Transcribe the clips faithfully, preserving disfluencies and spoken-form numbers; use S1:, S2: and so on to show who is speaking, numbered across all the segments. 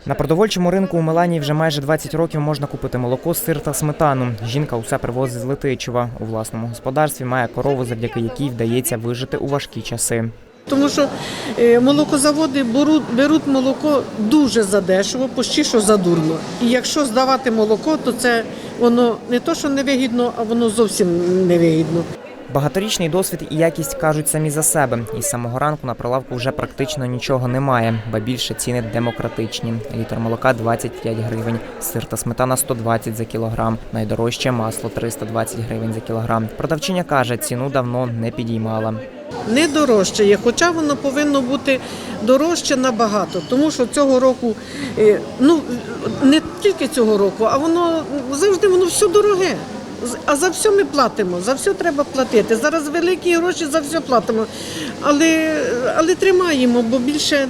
S1: На продовольчому ринку у Меланії вже майже двадцять років можна купити молоко, сир та сметану. Жінка усе привозить з Летичева. У власному господарстві має корову, завдяки якій вдається вижити у важкі часи.
S2: Тому що молокозаводи беруть, беруть молоко дуже задешево, почти що задурно. І якщо здавати молоко, то це воно не то, що невигідно, а воно зовсім невигідно.
S1: Багаторічний досвід і якість кажуть самі за себе. Із самого ранку на прилавку вже практично нічого немає, ба більше ціни демократичні. Літр молока – двадцять п'ять гривень, сир та сметана – сто двадцять за кілограм, найдорожче масло – триста двадцять гривень за кілограм. Продавчиня каже, ціну давно не підіймала.
S2: Не дорожчає, хоча воно повинно бути дорожче набагато, тому що цього року, ну не тільки цього року, а воно завжди воно все дороге. А за все ми платимо, за все треба платити. Зараз великі гроші, за все платимо. Але, але тримаємо, бо більше,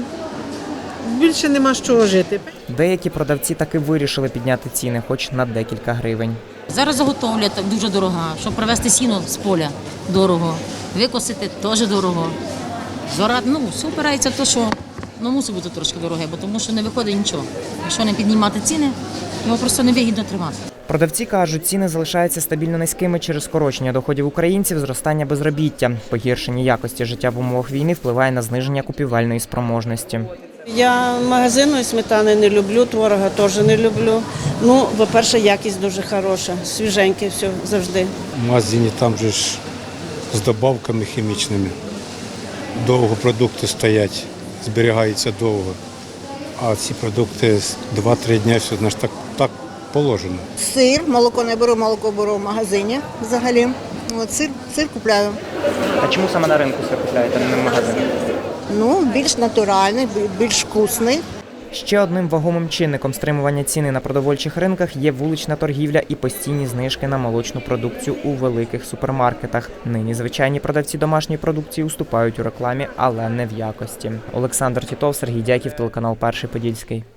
S2: більше нема з чого жити.
S1: Деякі продавці таки вирішили підняти ціни, хоч на декілька гривень.
S3: Зараз заготовля дуже дорога, щоб привезти сіно з поля – дорого, викосити – теж дорого. Зорати, ну, все опирається в те, що ну, мусить бути трошки дороге, бо тому що не виходить нічого. Якщо не піднімати ціни, його просто невигідно тримати.
S1: Продавці кажуть, ціни залишаються стабільно низькими через скорочення доходів українців, зростання безробіття. Погіршення якості життя в умовах війни впливає на зниження купівельної спроможності.
S4: Я магазинної сметани не люблю, творога теж не люблю. Ну, по-перше, якість дуже хороша, свіженьке все завжди.
S5: В магазині там же ж з добавками хімічними. Довго продукти стоять, зберігаються довго. А ці продукти два-три дні, все, значить, так, так положено.
S6: Сир, молоко не беру, молоко беру в магазині взагалі. От, сир, сир купляю.
S1: А чому саме на ринку сир купляєте, а не в магазині?
S6: Ну, більш натуральний, більш вкусний.
S1: Ще одним вагомим чинником стримування ціни на продовольчих ринках є вулична торгівля і постійні знижки на молочну продукцію у великих супермаркетах. Нині звичайні продавці домашньої продукції уступають у рекламі, але не в якості. Олександр Тітов, Сергій Дяків, телеканал Перший Подільський.